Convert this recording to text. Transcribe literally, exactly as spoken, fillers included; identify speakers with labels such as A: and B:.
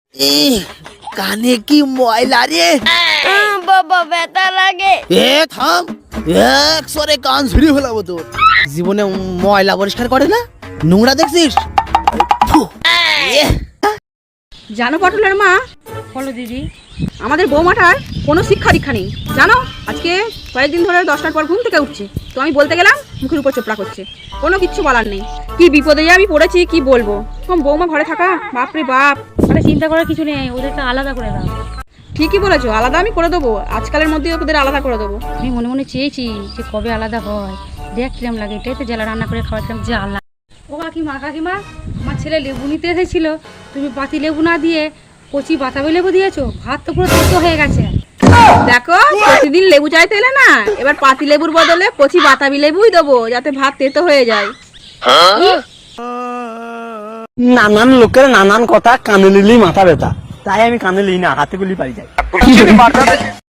A: কানে কি ময়লা রে,
B: বাবা ব্যথা লাগে।
A: এ থাম, একসরে কান ছিঁড়ে ফেলাবো তোর। জীবনে ময়লা পরিষ্কার করে না, নোংরা দেখছিস?
C: জানো পটলের মা,
B: বলো দিদি।
C: আমাদের বৌমাটার কোনো শিক্ষা দীক্ষা নেই জানো। আজকে কয়েকদিন ধরে দশটার পর ঘুম থেকে উঠছে, তো আমি বলতে গেলাম মুখের উপর চোপড়া করছে, কোনো কিচ্ছু বলার নেই। কি বিপদে যে আমি পড়েছি কি বলবো। কম বৌমা ঘরে থাকা, বাপরে বাপ।
B: মানে চিন্তা করার কিছু নেই, ওদেরকে আলাদা করে দাও।
C: ঠিকই বলেছো, আলাদা আমি করে দেবো, আজকালের মধ্যে ওদের আলাদা করে দেবো।
B: আমি মনে মনে চেয়েছি যে কবে আলাদা হয়, দেখ কিরম লাগে। এটাই তো জেলা রান্না করে খাওয়াচ্ছিলাম, যে আলাদা। ও কাকিমা কাকিমা, আমার ছেলে লেবু নিতে এসেছিল, তুমি পাতি লেবু না দিয়ে কচি বাতাবি লেবু দিয়েছো, ভাত তো পুরো তেতো হয়ে গেছে।
C: দেখো প্রতিদিন লেবু চাইতে এলে না, এবার পাতি লেবুর বদলে কচি বাতাবি লেবুই দেবো, যাতে ভাত তেতো হয়ে যায়।
D: নানান লোকের নানান কথা কানে নিলেই মাথা ব্যথা, তাই আমি কানে নিই না, হাতে গুলি পাই যাই।